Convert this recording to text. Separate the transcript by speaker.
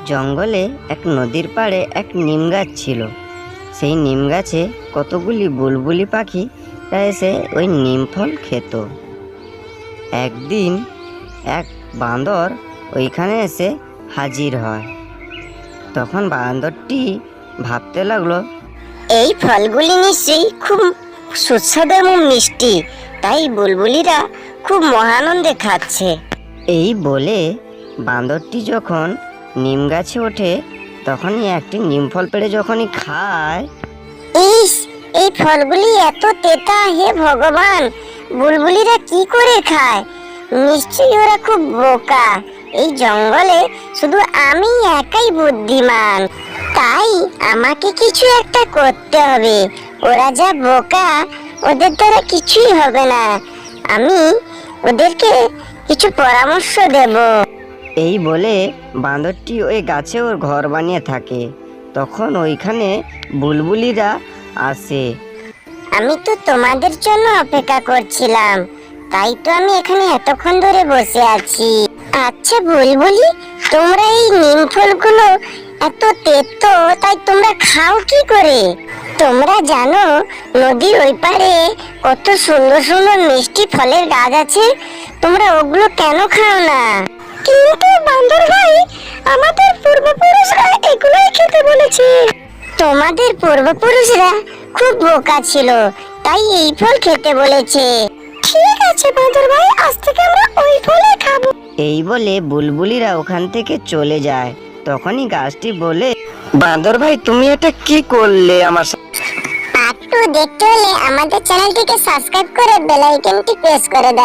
Speaker 1: জঙ্গলে এক নদীর পাড়ে এক নিম গাছ ছিল। সেই নিম গাছে কতগুলি বুলবুলি পাখি এসে ওই নিম ফল খেত। একদিন এক বাঁদর ওইখানে এসে হাজির হয়। তখন বাঁদরটি ভাবতে লাগলো,
Speaker 2: এই ফলগুলি নিশ্চয়ই খুব সুস্বাদু এবং মিষ্টি, তাই বুলবুলিরা খুব মহানন্দে খাচ্ছে।
Speaker 1: এই বলে বাঁদরটি যখন নিম গাছে ওঠে তখনই একটি নিম ফল পেড়ে যখনই খায়,
Speaker 2: ইস, এই ফলগুলি এত তেতা, হে ভগবান, বুলবুলিরা কি করে খায়? নিশ্চয়ই ওরা খুব বোকা। এই জঙ্গলে শুধু আমি একাই বুদ্ধিমান, তাই আমাকে কিছু একটা করতে হবে। ওরা যা বোকা, ওদের দ্বারা কিছুই হবে না। আমি ওদেরকে কিছু পরামর্শ দেব।
Speaker 1: এই বলে বাঁদরটি ওই গাছে ওর ঘর বানিয়ে থাকে। তখন ওইখানে বুলবুলিরা আসে।
Speaker 2: আমি তো তোমাদের জন্য অপেক্ষা করছিলাম, তাই তো আমি এখানে এতক্ষণ ধরে বসে আছি। আচ্ছা বুলবুলি, তোমরা এই নিম ফলগুলো এত তেতো, তাই তোমরা খাও কি করে? তোমরা জানো নদীর ওই পারে কত সুন্দর সুন্দর মিষ্টি ফলের গাছ আছে, তোমরা ওগুলো কেন খাও না? কিন্তু বান্দর ভাই, আমাদের পূর্বপুরুষরা এগুলোই খেতে বলেছে। তোমাদের পূর্বপুরুষরা খুব বোকা ছিল, তাই এই ফল খেতে বলেছে। ঠিক আছে বান্দর ভাই, আজ থেকে আমরা ওই ফলই খাবো।
Speaker 1: এই বলে বুলবুলিরা ওখান থেকে চলে যায়। তখনই গাছটি বলে, বাঁদর ভাই, তুমি এটা কি করলে আমার সাথে?
Speaker 2: পার্ট 2 দেখতে হলে আমাদের চ্যানেলটিকে সাবস্ক্রাইব করে বেল আইকনটি প্রেস করে দাও।